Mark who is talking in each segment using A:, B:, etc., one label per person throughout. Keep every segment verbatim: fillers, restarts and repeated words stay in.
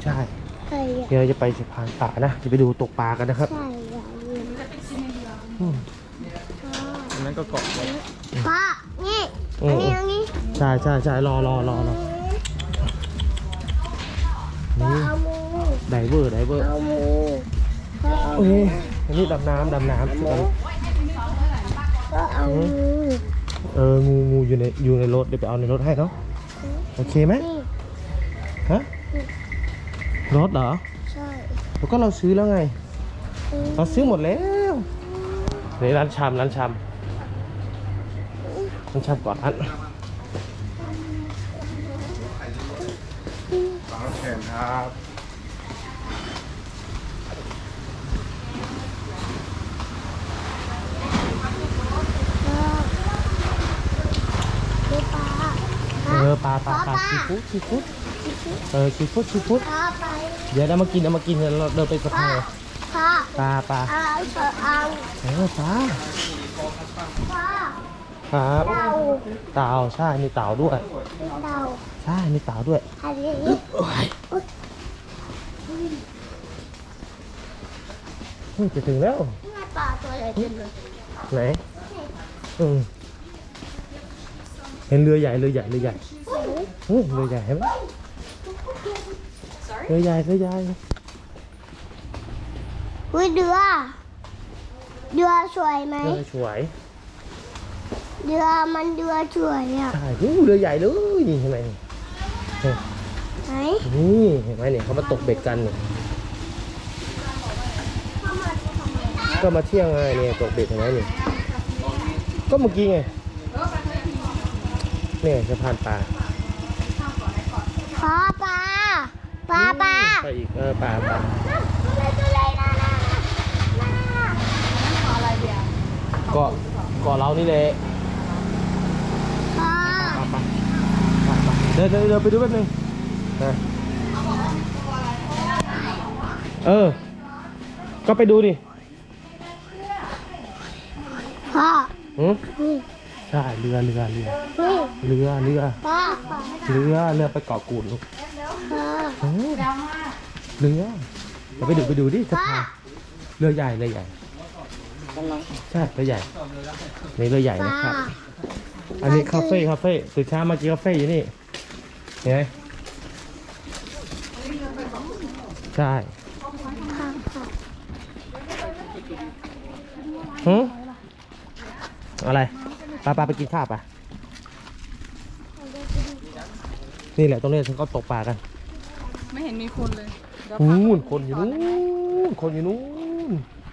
A: ใช่เดี๋ยวเราจะไปสะพานป่านะจะไปดูตกปลากันนะครับใช่
B: อันนั้นก็เกาะไว้
C: พ่อนี่อันนี้อันนี้
A: ใช่ใช่ใช่รอรอรอรอนี่ไดเวอร์ไดเวอร์โอ้ยอันนี้ดำน้ำดำน้ำ
C: ก็เอา
A: เอองูงูอยู่ในอยู่ในรถเดี๋ยวไปเอาในรถให้เนาะโอเคไหมฮะรถเหรอใช่แล้วก็เราซื้อแล้วไงเราซื้อหมดแล้วในร้านชามร้านชามร้านชามก่อนอัน
B: ปลาแขนครับ
A: เออปลาปลาปลาซีฟู้ดซีฟู้ดเออซีฟู้ดซีฟู้ดเดี๋ยวเรามากินเอามากินเราเดินไปสะพานปลาปลาเออปลาครับเต่าใช่มีเต่าด้วยใช่มีเต่าด้วยจะถึงแล้ว
C: ปลาตัวใหญ่เต็มเลย
A: ไหนอืมเห็นเรือใหญ่เรือใหญ่เรือใหญ่เฮ้ยเรือใหญ่เห็นไหมเรือใหญ่เรือใหญ่
C: อุ้ยเรือเรือสวยไหม
A: เรือสวย
C: เรือมันเรือสวยอ่ะ
A: ใช่เรือใหญ่เลยนี่เห็นไหมนี่
C: ไหน
A: นี่เห็นไหมเนี่ยเขามาตกเบ็ดกันเนี่ยก็มาเที่ยงไงเนี่ยตกเบ็ดเห็นไหมเนี่ยก็เมื่อกี้ไงเนี่ยสะพานปลา
C: ปลาปลาปลาปลา
A: ไปอีกเออปลาปลาเกาะเกาะเรานี่แหละเดินเดินเดินไปดูแป๊บนึงนะเออก็ไปดูดิ
C: พ่อ
A: อืมใช่เรือเรือเรือเรือเรือเรือเรือไปเกาะกูดลูกเรือเราไปดูไปดูดิสะพานเรือใหญ่เรือใหญ่ใช่เรือใหญ่นี่เรือใหญ่นะครับอันนี้คาเฟ่คาเฟ่ตื่นเช้ามากินคาเฟ่อยู่นี่เห็นไหมใช่หืมอะไรปลาปลาไปกินข้าวปะนี่แหละตรงนี้ฉันก็ตกปลากัน
D: ไม่เห็นมีคนเลย
A: นู่นคนอยู่นู่นคนอยู่นู่น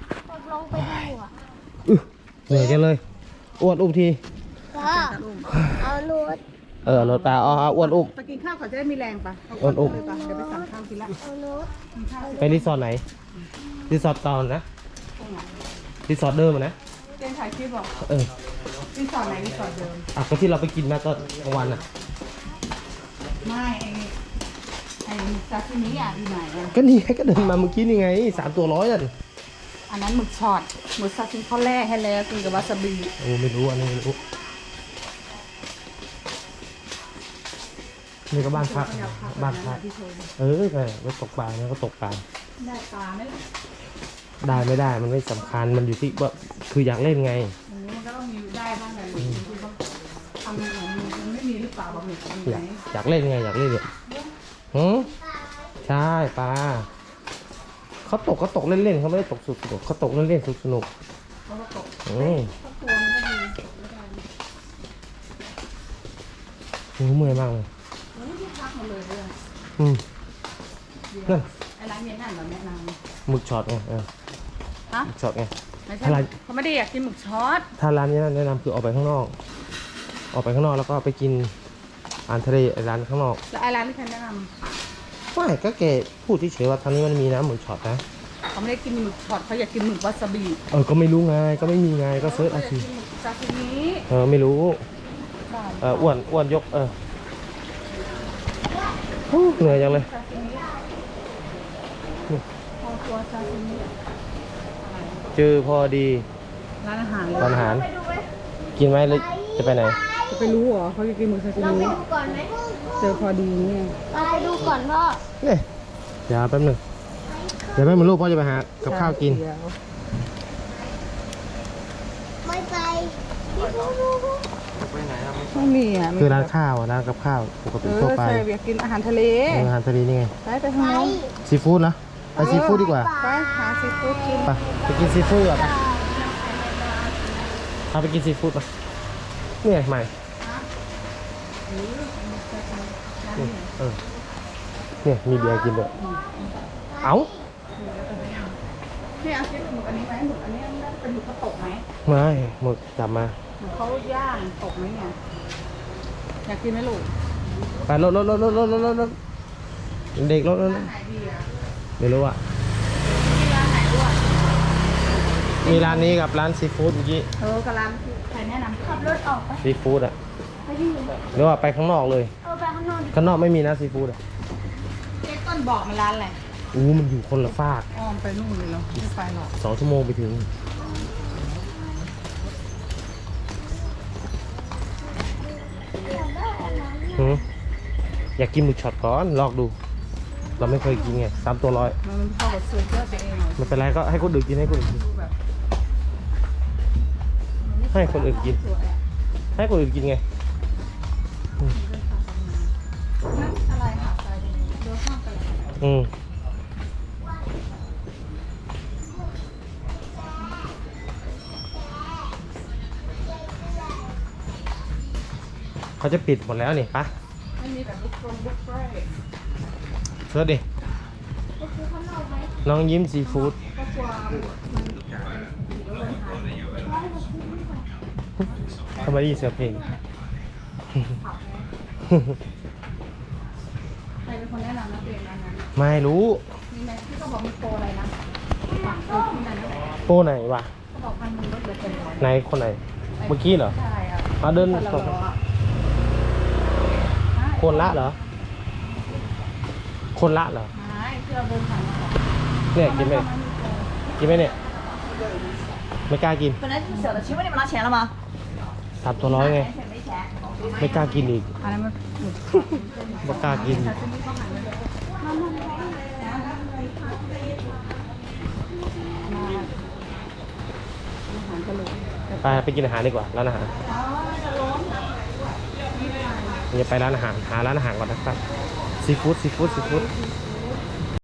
A: เหนื่อยกันเลยอ้วนอุ้มที
C: เอาลูด
A: เออรถปลาอ๋ออ้วนอุ้ม
D: ไปกินข้าวเขาจะได้มีแรงปะ
A: อ้วนอุ้ม
D: เดี๋ยวไปสั่งข้าวกินละ
A: ไปรีสอร์ทไหนรีสอร์ทตอนนะรีสอร์ทเดิมนะ
D: เจนถ่ายคลิปบอก
A: เออ
D: รีสอร์ทไหนรีสอร์ทเดิม
A: อ่ะก็ที่เราไปกินมาตอนกลางวันอ่ะ
D: ไม่ไอ้ไอ้ซาซิมิอ่ะอยู่ไหนอ่ะ
A: ก็นี่ก็เดินมาเมื่อกี้นี่ไงสามตัวร้อยอ่ะ
D: อันนั้นหมึกช็อตหมึกซาซิมิเขาแล่ให้แล้วกินกับวาซาบิ
A: โอ้ไม่รู้อันนี้ไม่รู้นี่ก็บ้านพักบ้านพักเออไงก็ตกปลาเนี่ยก็ตกปลา
D: ได้ปลาไหม
A: ได้ไม่ได้มันไม่สำคัญมันอยู่ที่ว่าคืออยากเล่นไง
D: มันก็ต้องมีได้บ้างแหละคือต้องทำอย่างนี้มันไม่มีหรือเปล่าบางที
A: อยากอยากเล่นไงอยากเล่นเนี่ยหืมใช่ปลาเขาตกเขาตกเล่นๆเขาไม่ได้ตกสุดสนุกเขาตกเล่นๆสุดสนุกอืมโอ้เมื่อยมากเลยอืมนั่น
D: ไอ้ร้านเนี้ยนั่นเหรอแม่นาง
A: หมึกช็อตไงเออ
D: ฮะ
A: หมึกช็อตไง
D: ถ้าร้านเขาไม่ได้อยากกินหมึกช็อต
A: ถ้าร้านนี้แนะนำคือออกไปข้างนอกออกไปข้างนอกแล้วก็ไปกินอาหารทะเลร้านข้างนอก
D: แล้วไอ้ร้านที่ใครแนะนำ
A: ไม่ก็แกพูดเฉยๆว่าทางนี้มันมีนะหมึกช็อตนะ
D: เขาไม่ได้กินหมึกช็อตเขาอยากกินหมึกวาซาบิ
A: เออก็ไม่รู้ไงก็ไม่มีไงก็เซิร์ชเอาสิ
D: ซาซิมิ
A: เออไม่รู้เอออ้วนอ้วนยกเออเหนื่อยจังเลยเจอพอดี
D: ร้านอาหาร
A: ร้านอาหารกินไหมหรือจะไปไหน
D: จะไปรู้เหรอเขาจะกินหมึกซาซิมิเจอพอดีเนี่ย
C: ไปดูก่อนพ่อ
A: เนี่ยเดี๋ยวแป๊บหนึงเดี๋ยวแป๊บนึงลูกพ่อจะไปหากับข้าวกิน
D: เดี๋ยว
C: ไม่ไป
B: ไปไหนอะไม่
D: ไม่มีอ่ะ
A: คือร้านข้าวอะร้านกับข้าวปก
D: เอ
A: ติ
D: อ
A: ทั่วไป
D: ใช่อยากกินอาหารทะเล
A: เอออาหารทะเลนี่ไง
D: ไปไปทาง
C: ไป
D: โน้น
A: ซีฟู้ดเหรอไปซีฟู้ดดีกว่า
D: ไปหาซีฟู้ดกิน
A: ไปไปกินซีฟู้ดก่อนไปพาไปกินซีฟู้ดป่ะนี่ไงใหม่นี่เออเนี่ยมีเบียร์กินด้วยเอ้า
D: เนี่ยเอาคิดหมึกอันนี้ไหมหมึกอันนี้น่าจะเป็นหมึกกระตกไหม
A: ไม่หมึกจับมา
D: หมึกเขาย่างตกไหมเนี่ยอยากกินไหมลูก
A: ไปรถรถรถรถรถรถรถรถเด็กรถรถรถ
D: ไหนดีอ่ะ
A: ไม่รู้อ่ะ
D: มีร้านไหนด้วย
A: มีร้านนี้กับร้านซีฟู้ดเมื่อกี้
D: เออกำลังใครแนะนำ
C: ขับรถออกไป
A: ซีฟู้ดอ่ะ
C: ไปที่ไหน
A: หรือว่าไปข้างนอกเลย
C: เอาไปข้างนอกดิ
A: ข้างนอกไม่มีนะซีฟู้ดอ่ะ
D: เจ๊ต้นบอกมันร้านอะไร
A: อู้มันอยู่คนละฟาก
D: อ้อมไปนู่นเลยเหรอไม่ไปหรอก
A: สองชั่วโมงไปถึงหืออยากกินหมึกช็อตก่อนลองดู เราไม่เคยกินไงสามตัวร้อย
D: มันไม่เข้ากับสูตรเพื่อตัวเองหรอก
A: ไม่เป็นไรก็ให้คนอื่นกินให้คนอื่นกิน
D: ดูแบบ
A: ให้คนอื่นกิน
D: สวยอะ
A: ให้คนอื่นกินไง
D: นั่นอะไรค่ะไปเดี๋ยวข้ามไปเลย
A: อืมเขาจะปิดหมดแล้วนี่ปะ
D: ไม่มีแบบบุฟเฟ่ต์บุฟเฟ่ต์
A: เชิญดิ
C: ไปซื้อข้างนอกไหม
A: น้องยิ้มซีฟู้ด
D: ก็กลัวมัน
A: ทำไมได้ยินเสียงเพลง
D: ใครเป็นคนแนะนำนักเรียนนั้นนั้น
A: ไม่รู้
D: มีไหมที่เขาบอกมีโปรอะไรนะฝากซื้อที่นั่นนะ
A: โป้ไหนวะ
D: เขาบอกพันหนึ่งลดเหลือเจ็ดร้อย
A: ไหนคนไหน เมื่อกี้เหรอ
D: ใช่อ่ะ
A: มาเดิน
D: คนละ
A: สอง
D: ร้อยอะ
A: คนละเหรอ คนละเหรอ
D: ใช่ที่เราเดินผ่านมาก่อน
A: เนี่ยกินไหมกินไหมเนี่ย ไม่กล้ากิน
E: 本来就是小的，请问你们拿钱了吗？
A: สามตัวร้อยไง
E: 钱没钱。
A: ไม่กล้ากินอีก
D: อันนั้นมัน
A: ไม่กล้ากิน ไปไปกินอาหารดีกว่าร้านอาหารอย่าไปร้านอาหารหาร้านอาหารก่อนนะครับซีฟู้ดซีฟู้ดซีฟู้ด
D: เ